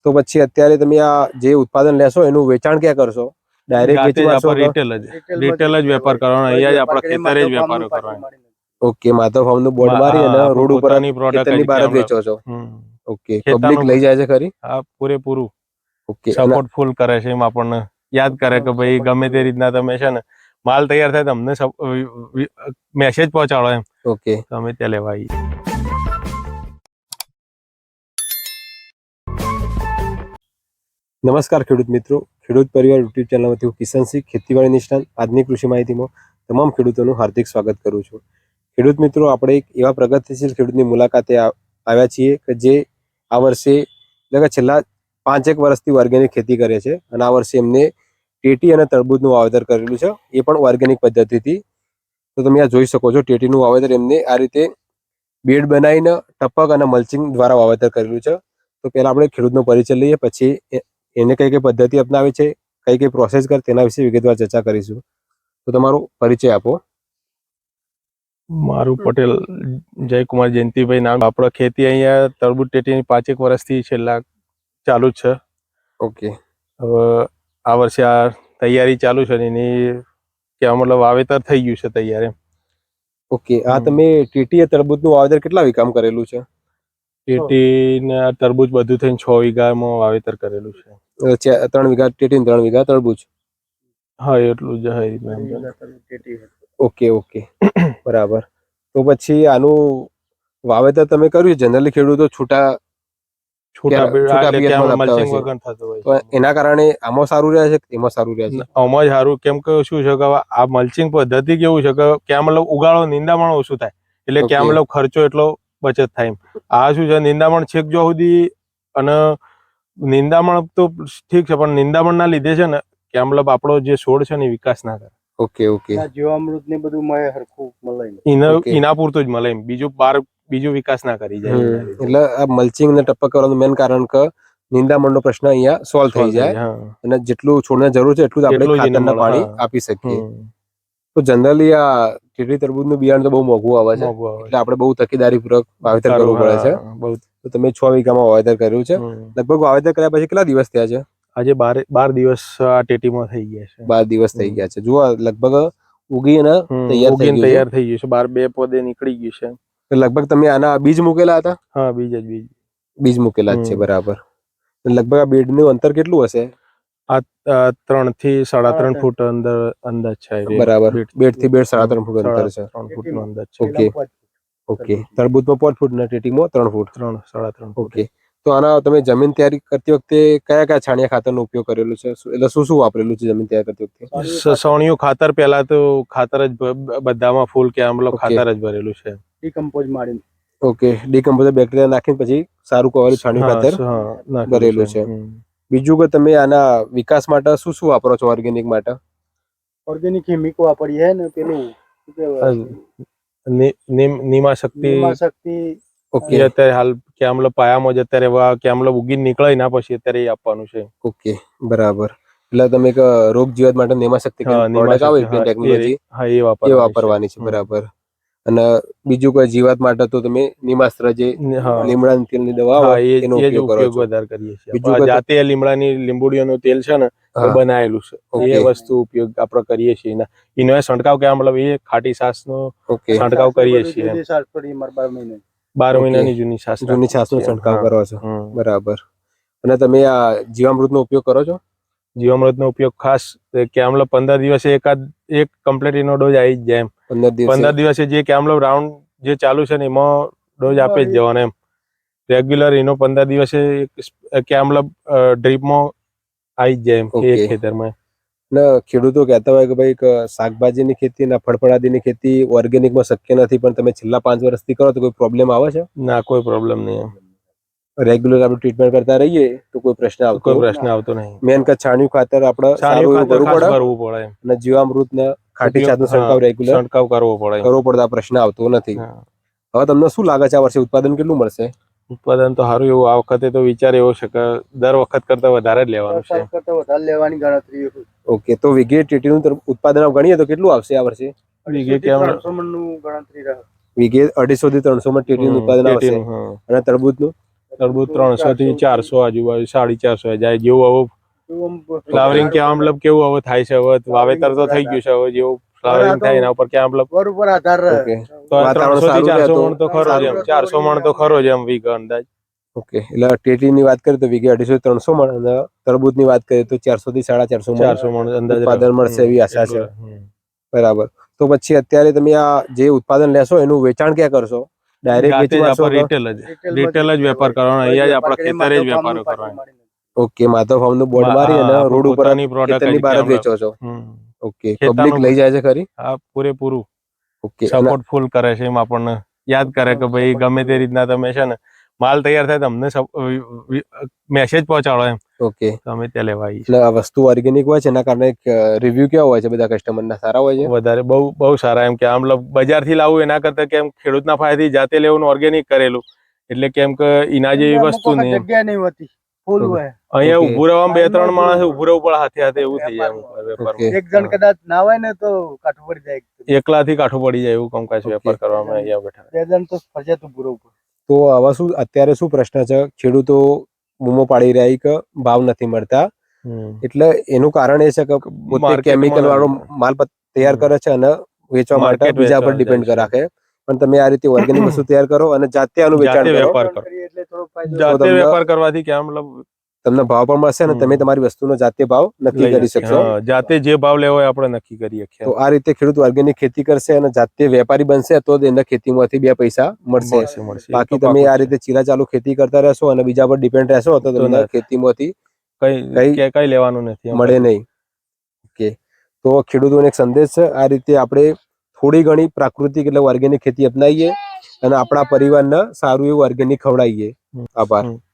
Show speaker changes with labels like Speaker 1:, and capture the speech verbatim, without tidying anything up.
Speaker 1: તો પછી અત્યારે તમે આ જે ઉત્પાદન લેશો એનું વેચાણ ક્યાં કરશો? ડાયરેક્ટ વેચી મારશો?
Speaker 2: રિટેલ જ રિટેલ જ વેપાર કરવાનો, અહીંયા જ આપણા ખેતરે જ વેપાર કરવાનો.
Speaker 1: ઓકે, માધવ ફાર્મ નું બોર્ડ મારી અને રોડ ઉપર ખેતરની બહાર જ વેચો છો? ઓકે, પબ્લિક લઈ જાય છે ખરી?
Speaker 2: હા, પૂરેપૂરું
Speaker 1: ઓકે,
Speaker 2: સપોર્ટ ફૂલ કરે છે. એમ આપણને યાદ કરે કે ભાઈ ગમે તે રીતના તમે છે ને માલ તૈયાર થાય તમને મેસેજ પહોંચાડો એમ.
Speaker 1: ઓકે,
Speaker 2: અમે ત્યાં લેવા આવીએ.
Speaker 1: નમસ્કાર ખેડૂત મિત્રો, ખેડૂત પરિવાર યુટ્યુબ ચેનલમાંથી હું કિશનસિંહ, ખેતીવાડી નિષ્ણાંત આજની કૃષિ માહિતીમાં તમામ ખેડૂતોનું હાર્દિક સ્વાગત કરું છું. ખેડૂત મિત્રો, આપણે એક એવા પ્રગતિશીલ ખેડૂતની મુલાકાતે આવ્યા છીએ કે જે આ વર્ષે એટલે કે છેલ્લા પાંચેક વર્ષથી ઓર્ગેનિક ખેતી કરે છે અને આ વર્ષે એમને ટેટી અને તરબૂચનું વાવેતર કરેલું છે, એ પણ ઓર્ગેનિક પદ્ધતિથી. તો તમે આ જોઈ શકો છો, ટેટીનું વાવેતર એમને આ રીતે બેડ બનાવીને ટપક અને મલ્ચિંગ દ્વારા વાવેતર કરેલું છે. તો પહેલા આપણે ખેડૂતનો પરિચય લઈએ, પછી એને કઈ કઈ પદ્ધતિ અપનાવી છે, કઈ કઈ પ્રોસેસ કર તેના વિશે વિગતવાર ચર્ચા કરીશું. તો તમારો પરિચય આપો.
Speaker 2: મારું પટેલ જયકુમાર જયંતિભાઈ નામ. આપણે ખેતી અહીંયા તરબૂચ ટેટીની પાંચેક વર્ષથી છેલ્લા ચાલુ જ છે.
Speaker 1: ઓકે,
Speaker 2: હવે આ વર્ષે આ તૈયારી ચાલુ છે એની કે મતલબ વાવેતર થઈ ગયું છે તૈયાર એમ.
Speaker 1: ઓકે, આ તમે ટેટી તરબૂચનું વાવેતર કેટલા વીઘામાં કરેલું છે?
Speaker 2: ટેટી ને તરબૂચ બધું થઈને છ વીઘામાં વાવેતર કરેલું છે.
Speaker 1: ત્રણ વીઘા ટેટી, ત્રણ વીઘા તરબૂચ.
Speaker 2: હા, એટલું જ.
Speaker 1: ઓકે ઓકે, બરાબર. તો પછી આનું વાવેતર તમે કર્યું, જનરલી ખેડૂતો છૂટા એના કારણે આમાં સારું રહે છે, એમાં સારું રહે છે?
Speaker 2: આમાં જ સારું. કેમ કે શું છે કે આ મલ્ચિંગ પદ્ધતિ કેવું છે કે ક્યાં મતલબ ઉગાડો નિંદામણ ઓછું થાય, એટલે ક્યાં મતલબ ખર્ચો એટલો બચત થાય. આ શું છે, નિંદામણ છેક જો સુધી, અને નિંદામણ તો ઠીક છે પણ નિંદામણ ના લીધે છે ને કે મતલબ આપણો જે છોડ છે ને વિકાસ ના કરે.
Speaker 1: ઓકે ઓકે,
Speaker 3: જીવામૃત ને બધું મળે હરખું મળે,
Speaker 2: એના પૂરતું જ મળે એમ, બીજું બાર બીજું વિકાસ ના કરી જાય.
Speaker 1: એટલે આ મલ્ચિંગ ને ટપક કરવાનું મેન કારણ કે નિંદામણ નો પ્રશ્ન અહીંયા સોલ્વ થઈ જાય અને જેટલું છોડને જરૂર છે એટલું જ આપણે ખાતરના પાણી આપી શકીએ. તો જનરલી આ ટેટી તરબૂચનું બિયારણ તો બહુ મોંઘું આવે છે, એટલે આપણે બહુ તકેદારી પૂર્વક વાવેતર કરવું પડે છે. તો તમે છ વીઘામાં વાવેતર કર્યું છે. લગભગ વાવેતર કર્યા પછી કેટલા દિવસ થયા છે?
Speaker 2: આજે બાર બાર દિવસ આ ટેટીમાં થઈ ગયા છે.
Speaker 1: બાર દિવસ થઈ ગયા છે. જુઓ, લગભગ ઉગી અને તૈયાર થઈ
Speaker 2: તૈયાર થઈ ગયું છે. બાર બે પોદે નીકળી ગયું છે.
Speaker 1: લગભગ તમે આના બીજ મૂકેલા હતા?
Speaker 2: હા, બીજ જ બીજ
Speaker 1: બીજ મૂકેલા જ છે, બરાબર. લગભગ આ બેડ નું અંતર કેટલું હશે?
Speaker 2: આ ત્રણ થી સાડા ત્રણ ફૂટ અંદર અંદાજ છે.
Speaker 1: બરાબર, બેડ થી બેડ સાડા ત્રણ ફૂટ અંતર છે.
Speaker 2: ત્રણ ફૂટ નો અંદાજ છે.
Speaker 1: ઓકે ઓકે, તરબૂચમાં પાંચ ફૂટ ને ટેટીમાં ત્રણ ફૂટ.
Speaker 2: ત્રણ સાડા ત્રણ.
Speaker 1: ઓકે, તો આના તમે જમીન તૈયારી કરતી વખતે કયા કયા છાણિયા ખાતરનો ઉપયોગ કરેલો છે, એટલે શું શું વાપરેલું છે જમીન તૈયાર કરતી વખતે?
Speaker 2: સસવણીયું ખાતર, પહેલા તો ખાતર જ બધામાં ફૂલ કે મતલબ ખાતર જ ભરેલું છે.
Speaker 3: ડીકમ્પોઝ મારીને.
Speaker 1: ઓકે, ડીકમ્પોઝર બેક્ટેરિયા નાખીને પછી સારું કવાયું છાણિયું ખાતર ભરેલું છે. બીજું કે તમે આના વિકાસ માટે શું શું વાપરો છો? ઓર્ગેનિક માટે
Speaker 3: ઓર્ગેનિક કેમિક વાપરીએ ને પેલું
Speaker 2: નીમા શક્તિ.
Speaker 3: શક્તિ
Speaker 1: ઓકે,
Speaker 2: અત્યારે હાલ કે મતલબ પાયામાં જ અત્યારે કે મતલબ ઉગી નીકળે ના પછી અત્યારે આપવાનું છે.
Speaker 1: ઓકે, બરાબર. એટલે તમે એક રોગ જીવાત માટે નીમા શક્તિ પ્રોડક્ટ આવે ટેકનોલોજી એ વાપરવાની છે, બરાબર. અને બીજું કોઈ જીવાત માટે તો તમે નિમાસ્ત્ર જે લીમડાની તેલની દવા આવે એનો ઉપયોગ કરો છો?
Speaker 2: વધારે કરીએ છીએ. બીજું જાતે લીમડાની લીંબુડીઓનું તેલ છે ને એ બનાવેલું છે, એ વસ્તુ ઉપયોગ આપણે કરીએ છીએ. એનો છંટકાવ કે મતલબ એ ખાટી છાસ નો છંટકાવ કરીએ છીએ. બાર મહિનાની જૂની છાસ
Speaker 1: જૂની છાસ નો છંટકાવ કરો છો, બરાબર. અને તમે આ જીવામૃત નો ઉપયોગ કરો છો?
Speaker 2: જીવામૃત નો ઉપયોગ ખાસ કે મતલબ પંદર દિવસે એકાદ એક કમ્પ્લીટ એનો ડોઝ આવી જ જાય એમ. પંદર દિવસે જે કે મતલબ રાઉન્ડ જે ચાલુ છે ને એમાં ડોઝ આપે જ જવાનો એમ. રેગ્યુલર એનો પંદર દિવસે કે મતલબ ડ્રીપમાં આવી જ જાય એમ એક ખેતરમાં.
Speaker 1: ખેડૂતો કહેતા હોય કે ભાઈ શાકભાજીની ખેતી ના ફળફળાદીની ખેતી ઓર્ગેનિકમાં શક્ય નથી, પણ તમે છેલ્લા પાંચ વર્ષથી કરો તો કોઈ પ્રોબ્લેમ આવે છે?
Speaker 2: ના, કોઈ પ્રોબ્લેમ નહીં.
Speaker 1: રેગ્યુલર આપણે ટ્રીટમેન્ટ કરતા રહીએ તો કોઈ પ્રશ્ન આવતો
Speaker 2: કોઈ પ્રશ્ન આવતો નહીં.
Speaker 1: મેન કે છાણિયું ખાતર આપણે સારું એવું કરવું પડે અને જીવામૃત ને ખાટી છાસ નો છંટકાવ રેગ્યુલર
Speaker 2: છંટકાવ કરવો પડે
Speaker 1: કરવો પડે. આ પ્રશ્ન આવતો નથી. હવે તમને શું લાગે છે આ વર્ષે ઉત્પાદન કેટલું મળશે?
Speaker 2: ઉત્પાદન તો સારું એવું આ વખતે તો વિચાર એવો છે કે દર વખત કરતા વધારે જ લેવાનું છે.
Speaker 3: વધારે લેવાની ગણતરી.
Speaker 1: ઓકે, તો વીઘે ટેટીનું ઉત્પાદન ગણીએ તો કેટલું આવશે આ વર્ષે?
Speaker 2: વીઘે ત્રણસો
Speaker 3: મણ નું ગણતરી રહે.
Speaker 1: વીઘે અઢીસો થી ત્રણસો મણ ટેટીનું ઉત્પાદન આવશે. અને તરબૂચનું
Speaker 2: તરબૂચ ત્રણસો થી ચારસો આજુબાજુ સાડી ચારસો જાય જેવું હવે
Speaker 3: એવું આમ
Speaker 2: ફ્લાવરિંગ કેવા મતલબ કેવું હવે થાય છે હવે વાવેતર તો થઈ ગયું છે હવે જેવું ફ્લાવરિંગ થાય એના ઉપર ક્યાં મતલબ
Speaker 3: વર ઉપર આધાર રહે.
Speaker 1: ઓકે
Speaker 2: તો
Speaker 1: વાતાવરણ
Speaker 2: ત્રણસો થી
Speaker 1: સારું રહે
Speaker 2: ચારસો
Speaker 1: તો
Speaker 2: મણ તો ખરો જ એમ
Speaker 3: સારું.
Speaker 2: ચારસો મણ તો ખરો જ એમ વીઘ અંદાજ
Speaker 1: ઓકે એટલે ટેટીની વાત કરીએ તો વીઘે અઢીસો ત્રણસો મણ અને તરબૂચની વાત કરીએ તો ચારસો થી સાડા ચારસો મણ
Speaker 2: ચારસો મણ અંદાજ
Speaker 1: ઉત્પાદન મળશે એવી આશા છે. બરાબર. તો પછી અત્યારે તમે આ જે ઉત્પાદન લેશો એનું વેચાણ ક્યાં કરશો? ડાયરેક્ટ
Speaker 2: જાતે
Speaker 1: વેચી
Speaker 2: જ
Speaker 1: મારશો
Speaker 2: આપણે
Speaker 1: તો?
Speaker 2: રિટેલ જ
Speaker 3: રિટેલમાં
Speaker 2: રિટેલ જ વેપાર કરવાનો અહીંયા જ આપણા
Speaker 3: કરી
Speaker 2: ખેતરે જ
Speaker 3: માધવ
Speaker 2: વેપારો
Speaker 3: ફાર્મનું પાછળ
Speaker 2: કરવાનો
Speaker 3: મારીને.
Speaker 1: ઓકે માધવ ફાર્મ નું બોર્ડ મારી અને
Speaker 2: હા,
Speaker 1: રોડ ઉપર
Speaker 2: પોતાની product
Speaker 1: ખેતરની
Speaker 2: જ
Speaker 1: બહાર જ
Speaker 2: કેમ
Speaker 1: વેચો છો.
Speaker 2: હમ.
Speaker 1: ઓકે
Speaker 2: ખેતરનું
Speaker 1: પબ્લિક લઈ જાય છે ખરી?
Speaker 2: હા પૂરેપૂરું
Speaker 1: ઓકે અને
Speaker 2: સપોર્ટ ફૂલ કરે છે એમ આપણને યાદ કરે કે ભાઈ ગમે તે રીતના તમે છે ને માલ તૈયાર થાય તમને મેસેજ પહોંચાડો એમ
Speaker 1: ઓકે
Speaker 2: તો અમે ત્યાં લેવા આવીએ
Speaker 1: એટલે આ વસ્તુ ઓર્ગેનિક હોય છે એના કારણે રિવ્યુ કેવા હોય છે બધા કસ્ટમરના સારા હોય છે?
Speaker 2: વધારે બહુ બહુ સારા એમ કે આમ બજાર થી લાવવું એના કરતા કેમ ખેડૂતના ફાયદાથી જાતે લેવું ઓર્ગેનિક કરેલું એટલે કેમ કે એના જેવી
Speaker 3: અમુક
Speaker 2: વસ્તુ
Speaker 3: વખત
Speaker 2: નહીં
Speaker 3: જગ્યા નહીં હોતી ફૂલ
Speaker 1: ઓકે.
Speaker 3: હોય.
Speaker 2: અહીંયા
Speaker 1: ઓકે.
Speaker 2: ઉભું રહેવામાં બે ત્રણ
Speaker 3: ફાર્મમાં
Speaker 2: માણસ
Speaker 3: જો-
Speaker 2: ઉભું રહેવું પડે હાથે હાથે એવું થઈ જાય
Speaker 3: વેપારમાં.
Speaker 2: અમુક વેપારમાં
Speaker 3: એક જણ કદાચ ના હોય ને તો કાઠું પડી જાય.
Speaker 2: એકલાથી કાઠું પડી જાય એવું કામકાજ
Speaker 1: ઓકે.
Speaker 2: વેપાર કરવામાં અહીંયા બેઠા
Speaker 3: બે જણ તો ફરજિયાત ઉભું રહેવું પડે.
Speaker 1: તો આવા શું અત્યારે શું પ્રશ્ન છે ખેડૂતો બૂમો પાડી રહ્યા છે કે ભાવ નથી મળતા
Speaker 2: હમ.
Speaker 1: એટલે એનું કારણ એ છે કે પોતે
Speaker 2: Market
Speaker 1: કેમિકલ
Speaker 2: માં
Speaker 1: વાળો માલ પ- તૈયાર
Speaker 2: હમ.
Speaker 1: કરે છે અને વેચવા માટે
Speaker 2: Market
Speaker 1: બીજા પર
Speaker 2: વેચવા
Speaker 1: ડિપેન્ડ
Speaker 2: જાય છે.
Speaker 1: રાખે પણ તમે આ રીતે ઓર્ગેનિક વસ્તુ તૈયાર કરો અને જાતે આનું વેચાણ
Speaker 2: જાતે
Speaker 1: કરો
Speaker 2: વેપાર કરો.
Speaker 3: કરીએ એટલે થોડો ફાયદો.
Speaker 1: તો
Speaker 2: જાતે
Speaker 1: તમને-
Speaker 2: વેપાર કરવાથી કે મતલબ
Speaker 1: તમને ભાવ પણ મળશે અને
Speaker 2: હમ.
Speaker 1: તમે તમારી વસ્તુનો જાતે ભાવ નક્કી
Speaker 2: લઈ
Speaker 1: કરી
Speaker 2: શકીએ.
Speaker 1: શકશો.
Speaker 2: હા, જાતે જે ભાવ લેવો હોય આપણે નક્કી કરી શકીએ
Speaker 1: તો આ રીતે ખેડૂત ઓર્ગેનિક ખેતી કરશે અને જાતે વેપારી બનશે તો જ એને ખેતીમાંથી બે પૈસા મળશે.
Speaker 2: મળશે મળશે એ
Speaker 1: બાકી
Speaker 2: તો
Speaker 1: તમે
Speaker 2: પાકું
Speaker 1: આ
Speaker 2: જ છે.
Speaker 1: રીતે ચીલા ચાલુ ખેતી કરતા રહેશો અને બીજા પર ડિપેન્ડ રહેશો તો
Speaker 2: તો
Speaker 1: તમને
Speaker 2: ના.
Speaker 1: ખેતીમાંથી
Speaker 2: કઈ
Speaker 1: કઈ
Speaker 2: કે કઈ લેવાનું નથી
Speaker 1: મળે નહીં. ઓકે તો ખેડૂતોને એક સંદેશ છે આ રીતે આપણે થોડી ઘણી પ્રાકૃતિક એટલે ઓર્ગેનિક ખેતી અપનાવીએ અને આપણા પરિવારને સારું એવું ઓર્ગેનિક ખવડાવીએ. આભાર.
Speaker 2: હમ.